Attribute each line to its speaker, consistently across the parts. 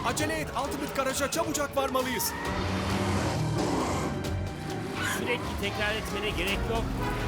Speaker 1: Acele et, Ultimate Garage'a çabucak varmalıyız.
Speaker 2: Sürekli tekrar etmene gerek yok.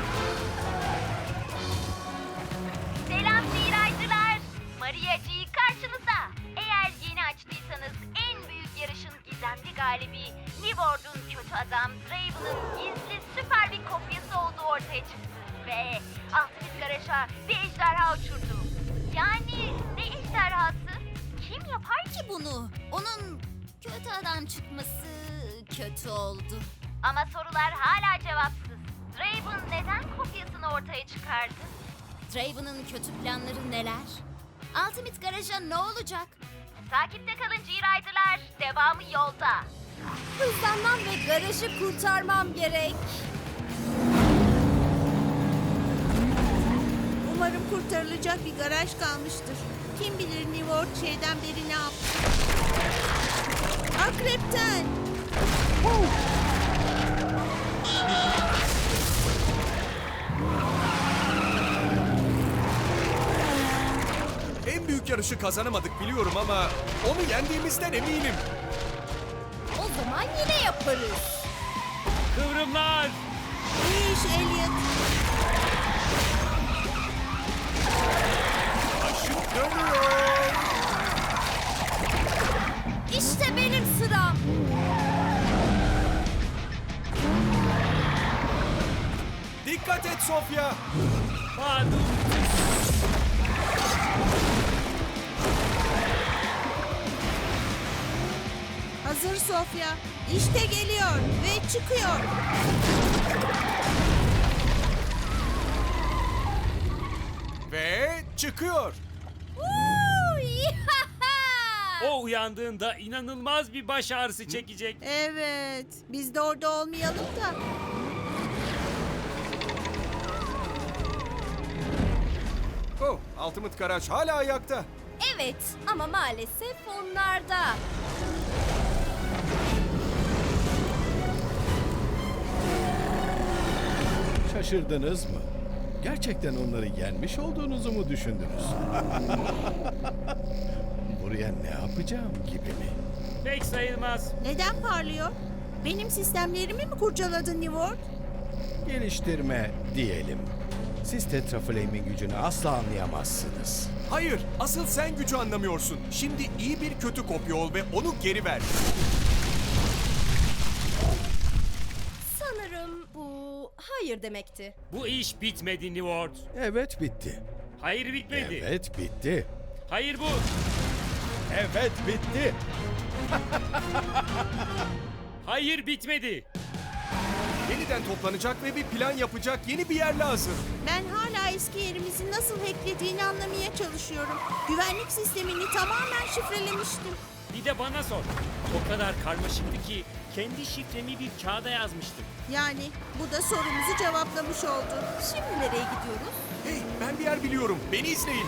Speaker 3: Selam seyirciler. Maria G karşınızda. Eğer yeni açtıysanız en büyük yarışın gizemli galibi Neword'un kötü adam Draven'ın gizli süper bir kopyası olduğu ortaya çıktı. Ve Ultimate Garage'a bir ejderha uçurdu. Yani ne ejderhası? Kim yapar ki bunu?
Speaker 4: Onun kötü adam çıkması kötü oldu.
Speaker 3: Ama sorular hala cevapsız. Draven neden kopyasını ortaya çıkardı?
Speaker 4: Draven'ın kötü planları neler? Ultimate Garage'a ne olacak?
Speaker 3: Takipte kalın G-Rider'lar. Devamı yolda.
Speaker 4: Hızlanmam ve garajı kurtarmam gerek.
Speaker 5: Umarım kurtarılacak bir garaj kalmıştır. Kim bilir New World şeyden beri ne yaptı? Akrepten!
Speaker 1: En büyük yarışı kazanamadık biliyorum ama onu yendiğimizden eminim.
Speaker 4: O zaman yine yaparız.
Speaker 2: Kıvrımlar!
Speaker 5: İyi iş Elliot.
Speaker 1: Aşık dönüyor.
Speaker 4: İşte benim sıram.
Speaker 1: Dikkat et Sofya.
Speaker 2: Pardon.
Speaker 5: Hazır Sofya. İşte geliyor ve çıkıyor.
Speaker 1: Ve çıkıyor.
Speaker 2: O uyandığında inanılmaz bir baş ağrısı çekecek.
Speaker 5: Evet. Biz de orada olmayalım da.
Speaker 1: Oh, Ultimate Garage hala ayakta.
Speaker 4: Evet ama maalesef onlarda.
Speaker 6: Şaşırdınız mı? Gerçekten onları yenmiş olduğunuzu mu düşündünüz? Buraya ne yapacağım gibi mi?
Speaker 2: Pek sayılmaz.
Speaker 5: Neden parlıyor? Benim sistemlerimi mi kurcaladın New World?
Speaker 6: Geliştirme diyelim. Siz Tetraflame'in gücünü asla anlayamazsınız.
Speaker 1: Hayır, asıl sen gücü anlamıyorsun. Şimdi iyi bir kötü kopya ol ve onu geri ver.
Speaker 4: Sanırım bu hayır demekti.
Speaker 2: Bu iş bitmedi New World.
Speaker 6: Evet bitti.
Speaker 2: Hayır bitmedi.
Speaker 6: Evet bitti.
Speaker 2: Hayır bu.
Speaker 6: Evet bitti.
Speaker 2: Hayır bitmedi.
Speaker 1: Yeniden toplanacak ve bir plan yapacak yeni bir yer lazım.
Speaker 5: Ben hala eski yerimizi nasıl hacklediğini anlamaya çalışıyorum. Güvenlik sistemini tamamen şifrelemiştim.
Speaker 2: Bir de bana sor. O kadar karmaşıktı ki kendi şifremi bir kağıda yazmıştım.
Speaker 5: Yani bu da sorumuzu cevaplamış oldu.
Speaker 4: Şimdi nereye gidiyoruz?
Speaker 1: Hey, ben bir yer biliyorum. Beni izleyin.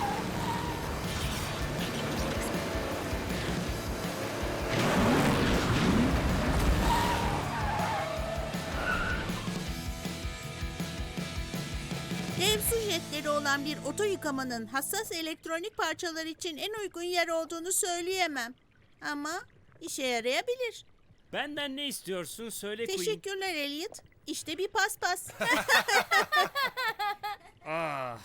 Speaker 5: Dev su jetleri olan bir oto yıkamanın hassas elektronik parçalar için en uygun yer olduğunu söyleyemem. Ama işe yarayabilir.
Speaker 2: Benden ne istiyorsun söyle Queen.
Speaker 5: Teşekkürler Elliot. İşte bir paspas.
Speaker 2: Ah.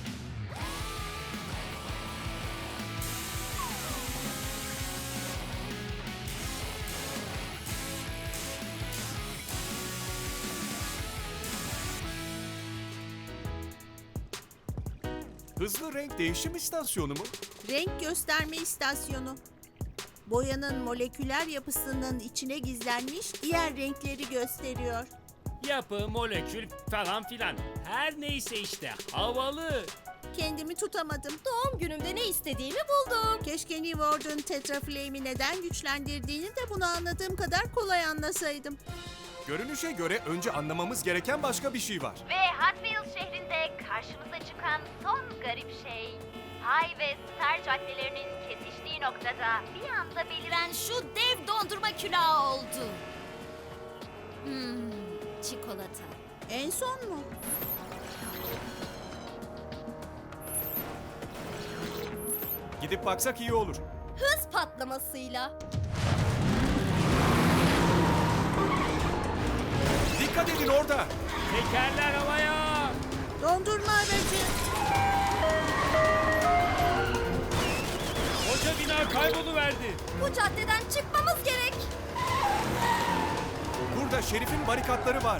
Speaker 1: Hızlı renk değişim istasyonu mu?
Speaker 5: Renk gösterme istasyonu. Boyanın moleküler yapısının içine gizlenmiş diğer renkleri gösteriyor.
Speaker 2: Yapı, molekül falan filan. Her neyse işte havalı.
Speaker 5: Kendimi tutamadım.
Speaker 4: Doğum günümde ne istediğimi buldum.
Speaker 5: Keşke New World'un Tetraflame'i neden güçlendirdiğini de bunu anladığım kadar kolay anlasaydım.
Speaker 1: Görünüşe göre önce anlamamız gereken başka bir şey var.
Speaker 3: Ve Hot Wheels şehrinde karşımıza çıkan son garip şey... High ve Star caddelerinin kesiştiği noktada bir anda beliren
Speaker 4: Ben şu dev dondurma külahı oldu. Çikolata.
Speaker 5: En son mu?
Speaker 1: Gidip baksak iyi olur.
Speaker 4: hız patlamasıyla.
Speaker 1: Dikkat edin orada.
Speaker 2: Tekerler havaya.
Speaker 5: Dondurma aracı.
Speaker 2: Koca bina kayboluverdi.
Speaker 4: Bu caddeden çıkmamız gerek.
Speaker 1: Burada şerifin barikatları var.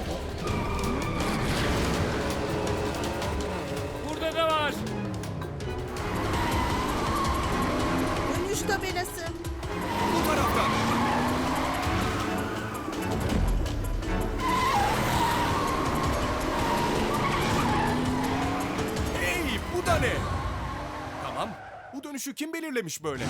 Speaker 2: Burada da var.
Speaker 5: Dönüş tabelası.
Speaker 1: Bu taraftan. Hey, bu da ne? Tamam. Bu dönüşü kim belirlemiş böyle?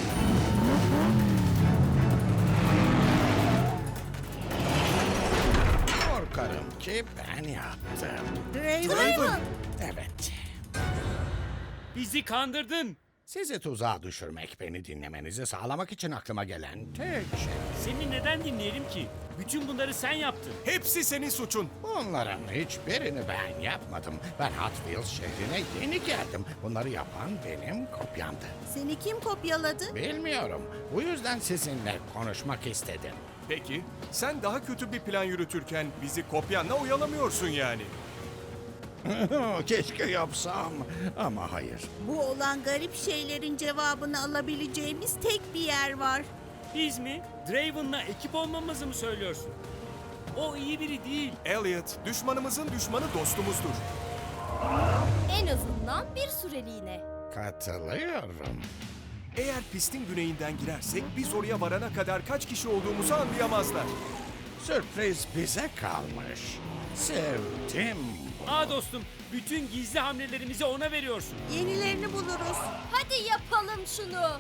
Speaker 7: Korkarım ki ben yaptım.
Speaker 5: Draven.
Speaker 7: Evet.
Speaker 2: Bizi kandırdın.
Speaker 7: Sizi tuzağa düşürmek, beni dinlemenizi sağlamak için aklıma gelen tek şey.
Speaker 2: Seni neden dinleyelim ki? Bütün bunları sen yaptın.
Speaker 1: Hepsi senin suçun.
Speaker 7: Bunların hiçbirini ben yapmadım. Ben Hot Wheels şehrine yeni geldim. Bunları yapan benim kopyamdı.
Speaker 5: Seni kim kopyaladı?
Speaker 7: Bilmiyorum. Bu yüzden sizinle konuşmak istedim.
Speaker 1: Peki, sen daha kötü bir plan yürütürken bizi kopyanla oyalamıyorsun yani.
Speaker 7: Keşke yapsam ama hayır.
Speaker 5: Bu olan garip şeylerin cevabını alabileceğimiz tek bir yer var.
Speaker 2: Biz mi? Draven'la ekip olmamızı mı söylüyorsun? O iyi biri değil.
Speaker 1: Elliot, düşmanımızın düşmanı dostumuzdur.
Speaker 4: En azından bir süreliğine.
Speaker 7: Katılıyorum.
Speaker 1: Eğer pistin güneyinden girersek biz oraya varana kadar kaç kişi olduğumuzu anlayamazlar.
Speaker 7: Sürpriz bize kalmış. Sevdim.
Speaker 2: Aa dostum, bütün gizli hamlelerimizi ona veriyorsun.
Speaker 5: Yenilerini buluruz.
Speaker 4: Hadi yapalım şunu.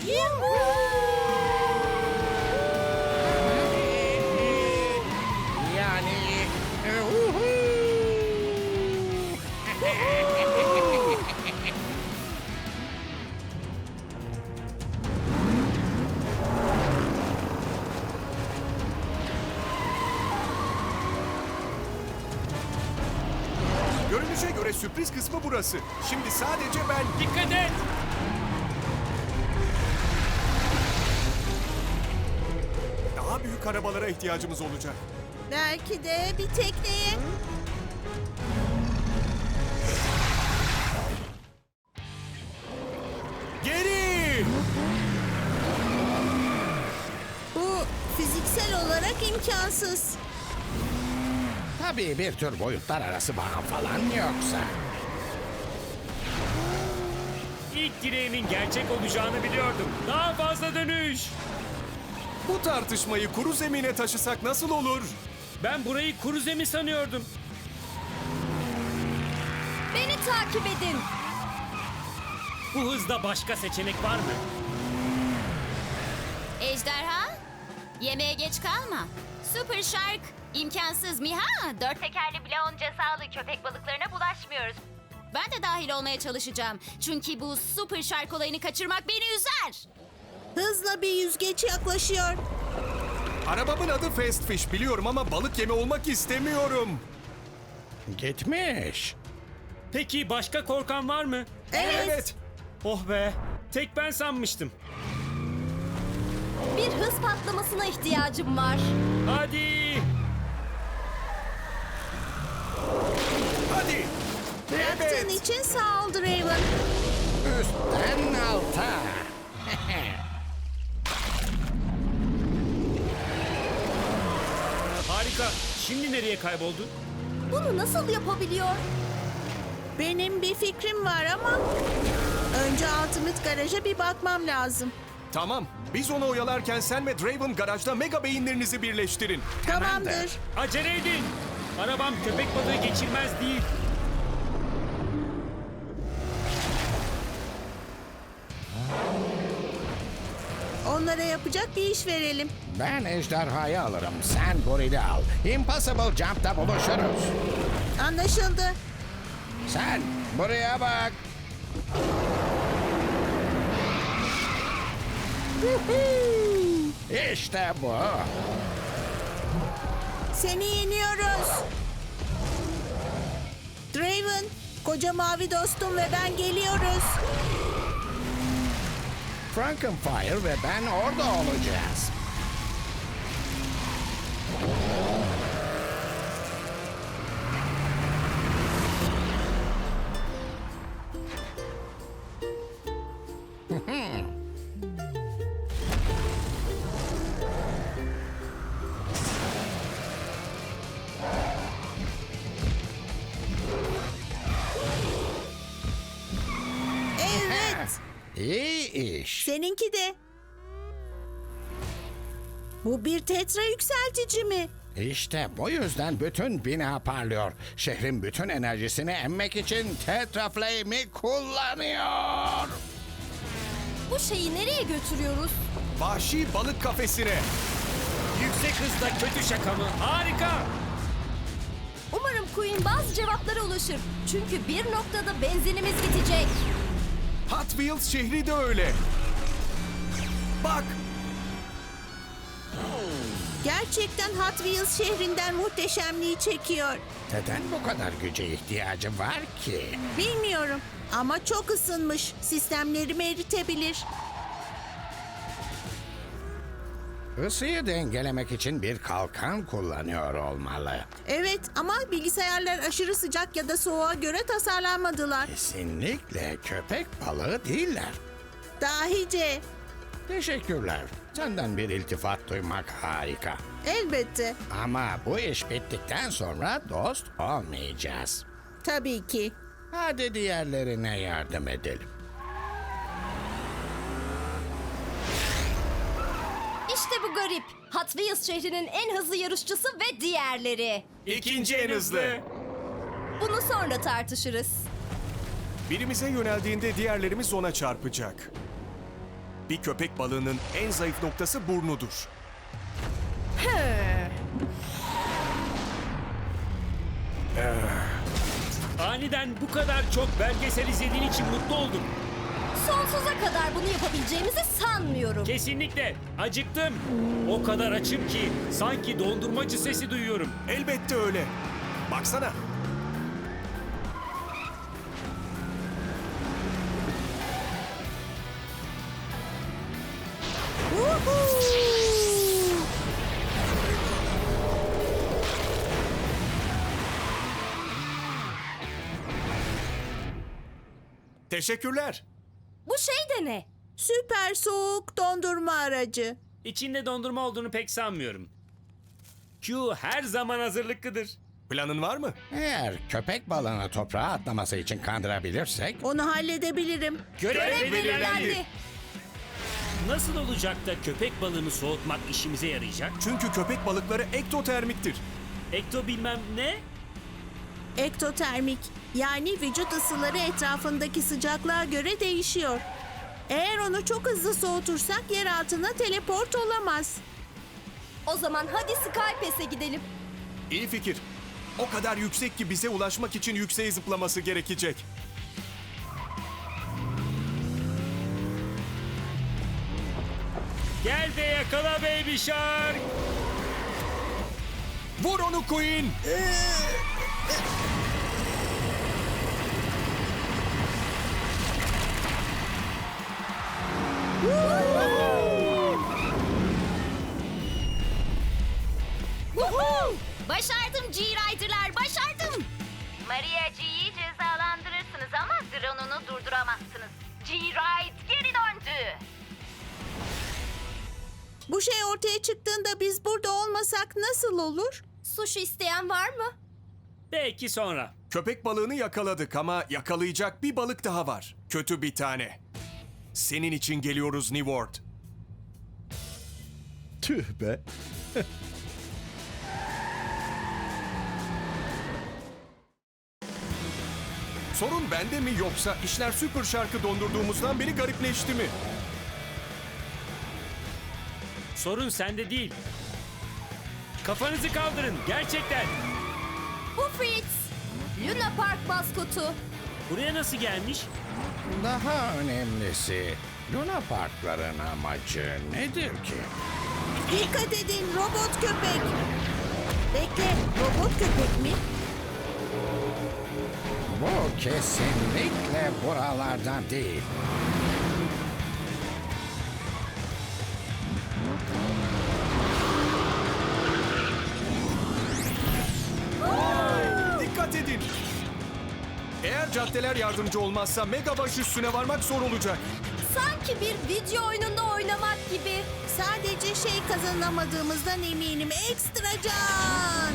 Speaker 7: Yani...
Speaker 1: Görünüşe göre sürpriz kısmı burası. Şimdi sadece ben...
Speaker 2: Dikkat et!
Speaker 1: Daha büyük arabalara ihtiyacımız olacak.
Speaker 5: Belki de bir tekneye.
Speaker 1: Geri!
Speaker 5: Bu fiziksel olarak imkansız.
Speaker 7: Tabii bir tür boyutlar arası bağ falan yoksa.
Speaker 2: İlk dileğimin gerçek olacağını biliyordum. Daha fazla dönüş.
Speaker 1: Bu tartışmayı kuru zemine taşısak nasıl olur?
Speaker 2: Ben burayı kuru zemin sanıyordum.
Speaker 4: Beni takip edin.
Speaker 2: Bu hızda başka seçenek var mı?
Speaker 4: Ejderha, yemeğe geç kalma. Super Shark, imkansız mı ha? Dört
Speaker 3: Tekerli bile onca sağlık köpek balıklarına bulaşmıyoruz.
Speaker 4: Ben de dahil olmaya çalışacağım. Çünkü bu Super Shark olayını kaçırmak beni üzer.
Speaker 5: Hızla bir yüzgeç yaklaşıyor.
Speaker 1: Arabamın adı Fast Fish biliyorum ama balık yemi olmak istemiyorum.
Speaker 7: Gitmiş.
Speaker 2: Peki başka korkan var mı?
Speaker 1: Evet.
Speaker 2: Oh be, tek ben sanmıştım.
Speaker 4: Bir hız patlamasına ihtiyacım var.
Speaker 2: Hadi!
Speaker 1: Hadi.
Speaker 5: Bıraktığın için sağ ol Draven.
Speaker 7: Üstten alta.
Speaker 2: Harika. Şimdi nereye kayboldu?
Speaker 4: Bunu nasıl yapabiliyor?
Speaker 5: Benim bir fikrim var ama önce Ultimate Garaj'a bir bakmam lazım.
Speaker 1: Tamam. Biz onu oyalarken sen ve Draven garajda mega beyinlerinizi birleştirin.
Speaker 5: Tamamdır.
Speaker 2: Acele edin. Arabam köpek balığı geçirmez değil.
Speaker 5: Onlara yapacak bir iş verelim.
Speaker 7: Ben ejderhayı alırım. Sen gorili al. Impossible Jump'ta buluşuruz.
Speaker 5: Anlaşıldı.
Speaker 7: Sen buraya bak. İşte bu.
Speaker 5: Seni yeniyoruz. Draven, koca mavi dostum ve ben geliyoruz.
Speaker 7: Frankenfire ve ben orada olacağız.
Speaker 5: Evet,
Speaker 7: İyi iş.
Speaker 5: seninki de. Bu bir tetra yükseltici mi?
Speaker 7: İşte bu yüzden bütün bina parlıyor. Şehrin bütün enerjisini emmek için Tetra Flame'i kullanıyor.
Speaker 4: Bu şeyi nereye götürüyoruz?
Speaker 1: Vahşi balık kafesine.
Speaker 2: Yüksek hızda kötü şaka mı? Harika.
Speaker 4: Umarım Queen bazı cevaplara ulaşır. Çünkü bir noktada benzinimiz bitecek.
Speaker 1: Hot Wheels şehri de öyle. Bak,
Speaker 5: Gerçekten Hot Wheels şehrinden muhteşemliği çekiyor.
Speaker 7: Neden bu kadar güce ihtiyacı var ki?
Speaker 5: Bilmiyorum ama çok ısınmış. Sistemlerimi eritebilir.
Speaker 7: Isıyı dengelemek için bir kalkan kullanıyor olmalı.
Speaker 5: Evet ama bilgisayarlar aşırı sıcak ya da soğuğa göre tasarlanmadılar.
Speaker 7: Kesinlikle köpek balığı değiller.
Speaker 5: Dahice.
Speaker 7: Teşekkürler. Senden bir iltifat duymak harika.
Speaker 5: Elbette.
Speaker 7: Ama bu iş bittikten sonra dost olmayacağız.
Speaker 5: Tabii ki.
Speaker 7: Hadi diğerlerine yardım edelim.
Speaker 4: İşte bu garip. Hot Wheels şehrinin en hızlı yarışçısı ve diğerleri.
Speaker 1: ikinci en hızlı.
Speaker 4: Bunu sonra tartışırız.
Speaker 1: Birimize yöneldiğinde diğerlerimiz ona çarpacak. Bir köpek balığının en zayıf noktası burnudur.
Speaker 2: Aniden bu kadar çok belgesel izlediğin için mutlu oldum.
Speaker 4: Sonsuza kadar bunu yapabileceğimizi sanmıyorum.
Speaker 2: Kesinlikle. Acıktım. O kadar açım ki sanki dondurmacı sesi duyuyorum.
Speaker 1: Elbette öyle. Baksana.
Speaker 5: Woohoo!
Speaker 1: Teşekkürler.
Speaker 4: Bu şey de ne?
Speaker 5: Süper soğuk dondurma aracı.
Speaker 2: İçinde dondurma olduğunu pek sanmıyorum. Q her zaman hazırlıklıdır.
Speaker 1: Planın var mı?
Speaker 7: Eğer köpek balığını toprağa atlaması için kandırabilirsek...
Speaker 5: Onu halledebilirim.
Speaker 2: Görev
Speaker 4: Belirlendi.
Speaker 2: Nasıl olacak da köpek balığını soğutmak işimize yarayacak?
Speaker 1: Çünkü köpek balıkları ektotermiktir.
Speaker 2: Ekto bilmem ne?
Speaker 5: Ektotermik yani vücut ısıları etrafındaki sıcaklığa göre değişiyor. Eğer onu çok hızlı soğutursak yer altına teleport olamaz.
Speaker 4: O zaman hadi Skypes'e gidelim.
Speaker 1: İyi fikir. O kadar yüksek ki bize ulaşmak için yükseğe zıplaması gerekecek.
Speaker 2: Gel de yakala Baby Shark.
Speaker 1: Vur onu Queen!
Speaker 4: Woohoo! Başardım G-Rider'lar, başardım.
Speaker 3: Maria G'yi cezalandırırsınız ama drone'unu durduramazsınız. G-Ride geri döndü.
Speaker 5: Bu şey ortaya çıktığında biz burada olmasak nasıl olur?
Speaker 4: Sushi isteyen var mı?
Speaker 2: Belki sonra.
Speaker 1: Köpek balığını yakaladık ama yakalayacak bir balık daha var. Kötü bir tane. Senin için geliyoruz New World.
Speaker 6: Tüh be.
Speaker 1: Sorun bende mi yoksa işler Super Shark'ı dondurduğumuzdan beri garipleşti mi?
Speaker 2: Sorun sende değil. Kafanızı kaldırın gerçekten.
Speaker 4: Bu Fritz. Luna Park maskotu.
Speaker 2: Buraya nasıl gelmiş?
Speaker 7: Daha önemlisi, Luna Parkların amacı nedir ki?
Speaker 5: Dikkat edin robot köpek. Bekle robot köpek mi?
Speaker 7: Bu kesinlikle buralardan değil.
Speaker 1: caddeler yardımcı olmazsa mega baş üstüne varmak zor olacak.
Speaker 4: Sanki bir video oyununda oynamak gibi.
Speaker 5: Sadece şey kazanamadığımızdan eminim. Ekstra can.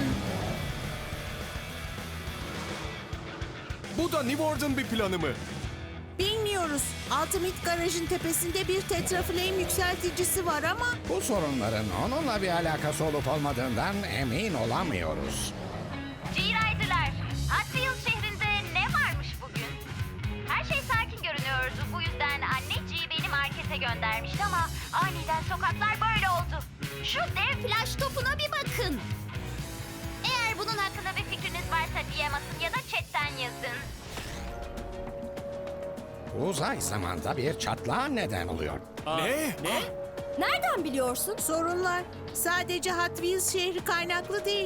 Speaker 1: Bu da New Order'ın bir planı mı?
Speaker 5: Bilmiyoruz. Ultimate Garaj'ın tepesinde bir Tetraflame yükselticisi var ama
Speaker 7: Bu sorunların onunla bir alakası olup olmadığından emin olamıyoruz.
Speaker 3: G-Rider'lar, Hot Wheels şehrinde ne varmış bugün? Her şey sakin görünüyordu. Bu yüzden anne G beni markete göndermişti ama aniden sokaklar böyle oldu. Şu dev flash topuna bir bakın. Eğer bunun hakkında bir fikriniz varsa DM atın ya da chatten yazın.
Speaker 7: Uzay zamanda bir çatlağa neden oluyor.
Speaker 1: Ne?
Speaker 4: Nereden biliyorsun?
Speaker 5: sorunlar sadece Hot Wheels şehri kaynaklı değil.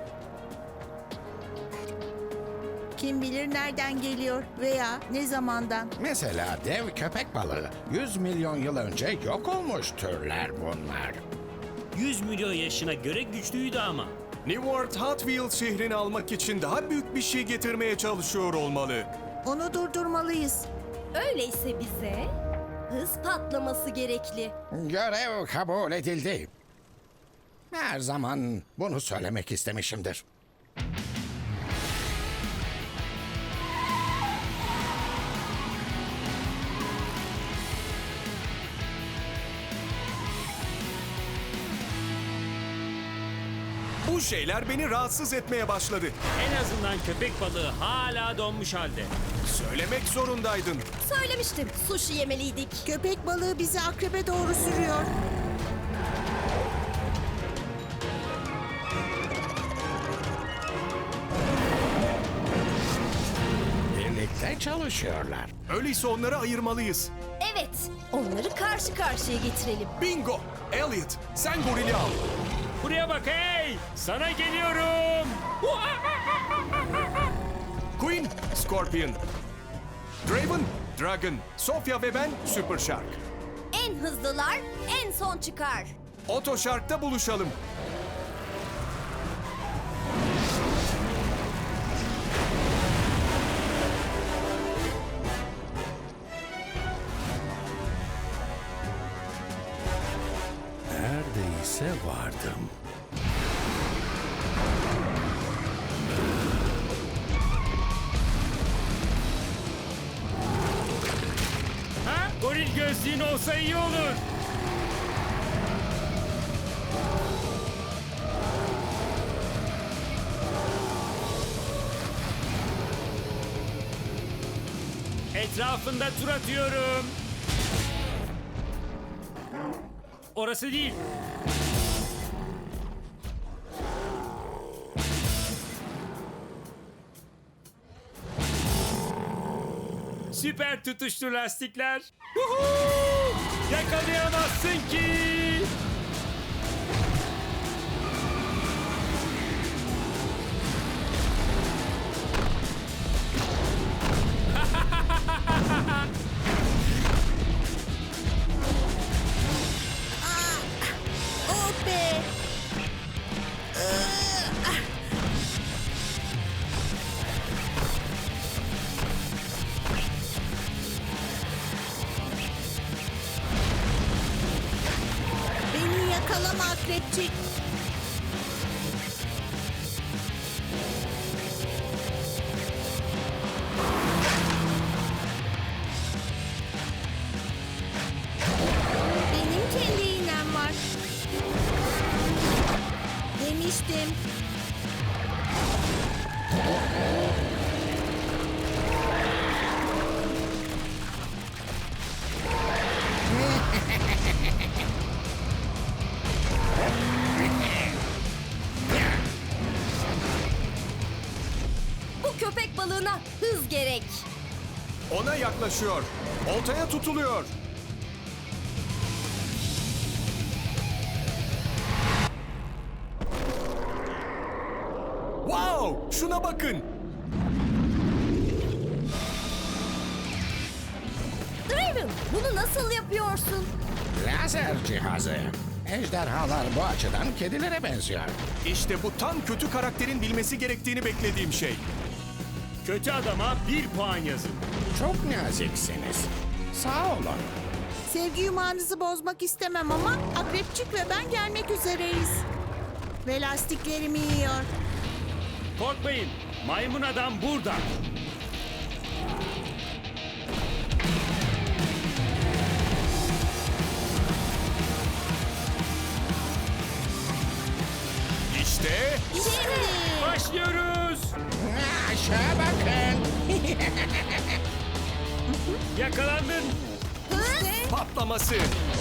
Speaker 5: Kim bilir nereden geliyor veya ne zamandan.
Speaker 7: Mesela dev köpek balığı 100 milyon yıl önce yok olmuş türler bunlar.
Speaker 2: 100 milyon yaşına göre güçlüydü ama.
Speaker 1: New World Hot Wheels şehrini almak için daha büyük bir şey getirmeye çalışıyor olmalı.
Speaker 5: Onu durdurmalıyız.
Speaker 4: Öyleyse bize hız patlaması gerekli.
Speaker 7: Görev kabul edildi. Her zaman bunu söylemek istemişimdir.
Speaker 1: Bu şeyler beni rahatsız etmeye başladı.
Speaker 2: En azından köpek balığı hala donmuş halde.
Speaker 1: Söylemek zorundaydın.
Speaker 4: Söylemiştim, sushi yemeliydik.
Speaker 5: Köpek balığı bizi akrebe doğru sürüyor.
Speaker 7: Birlikte çalışıyorlar.
Speaker 1: Öyleyse onları ayırmalıyız.
Speaker 4: Evet, onları karşı karşıya getirelim.
Speaker 1: Bingo! Elliot, sen gorili al.
Speaker 2: Buraya bak hey! Sana geliyorum!
Speaker 1: Queen, Scorpion. Draven, Dragon. Sofia ve ben, Super Shark.
Speaker 4: En hızlılar en son çıkar.
Speaker 1: Oto Shark'ta buluşalım.
Speaker 6: Neredeyse vardım.
Speaker 2: Ha? Goril gözlüğün olsa iyi olur. Etrafında tur atıyorum. Orası değil. Süper tutuştu lastikler. Huhu! Yakalayamazsın ki.
Speaker 5: Oh be! Beni yakalama akrepçik. Benim kendi iğnem var. Demiştim.
Speaker 4: Bu köpek balığına hız gerek.
Speaker 1: Ona yaklaşıyor. Oltaya tutuluyor. Wow! Şuna bakın.
Speaker 4: Draven, bunu nasıl yapıyorsun?
Speaker 7: Lazer cihazı. Ejderhalar bu açıdan kedilere benziyor.
Speaker 1: İşte bu tam kötü karakterin bilmesi gerektiğini beklediğim şey.
Speaker 2: Kötü adama 1 puan yazın.
Speaker 7: Çok naziksiniz. Sağ olun.
Speaker 5: Sevgi yumağınızı bozmak istemem ama Akrepçik ve ben gelmek üzereyiz. Ve lastiklerimi yiyor.
Speaker 2: Korkmayın. Maymun adam burada.
Speaker 1: İşte
Speaker 5: Şimdi.
Speaker 2: Başlıyoruz.
Speaker 7: Aşağı bakın.
Speaker 2: Yakalandın.
Speaker 1: patlaması.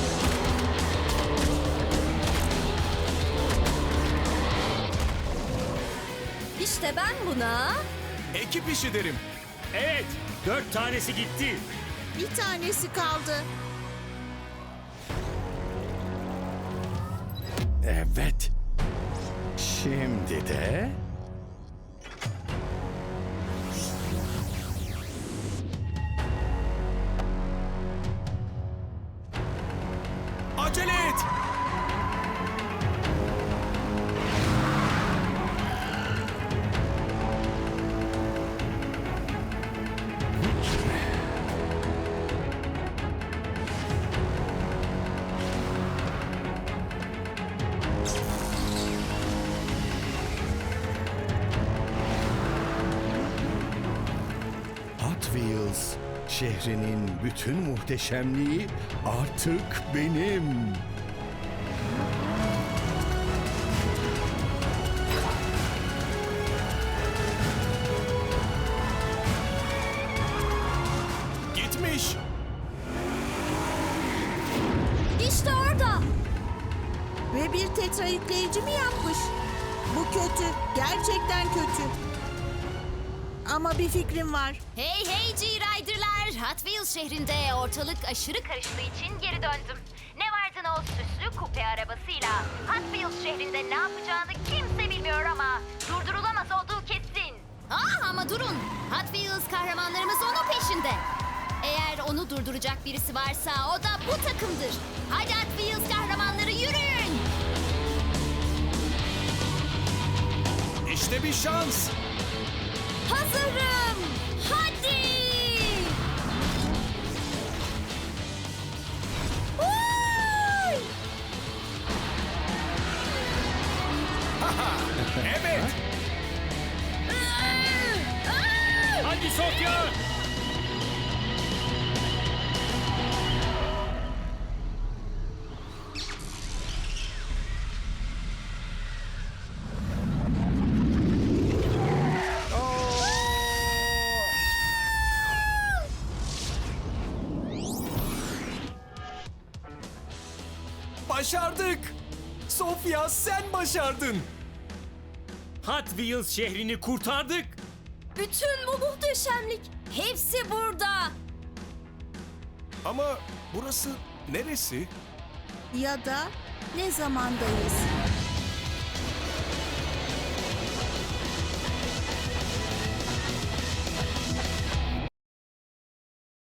Speaker 4: İşte ben buna...
Speaker 1: Ekip işi derim.
Speaker 2: Evet. 4 tanesi gitti.
Speaker 5: Bir tanesi kaldı.
Speaker 6: Evet. Şimdi de...
Speaker 1: Acele et.
Speaker 6: Hot Wheels şehrinin bütün muhteşemliği artık benim.
Speaker 1: Gitmiş.
Speaker 4: İşte orada.
Speaker 5: Ve bir tetra yükleyici mi yapmış? Bu kötü. Gerçekten kötü. Ama bir fikrim var.
Speaker 3: Hey hey G-Rider'lar! Hot Wheels şehrinde ortalık aşırı karıştığı için geri döndüm. Ne vardın o süslü kupe arabasıyla? Hot Wheels şehrinde ne yapacağını kimse bilmiyor ama durdurulamaz olduğu kesin. Ama durun! Hot Wheels kahramanlarımız onun peşinde. Eğer onu durduracak birisi varsa o da bu takımdır. Hadi Hot Wheels kahramanları yürüyün!
Speaker 1: İşte bir şans.
Speaker 3: Hazırım! Hadi! Vay!
Speaker 1: Evet.
Speaker 2: Hadi Sofya.
Speaker 1: Başardık. Sofya sen başardın.
Speaker 2: Hot Wheels şehrini kurtardık.
Speaker 4: Bütün bu muhteşemlik. Hepsi burada.
Speaker 1: Ama burası neresi?
Speaker 5: Ya da ne zamandayız?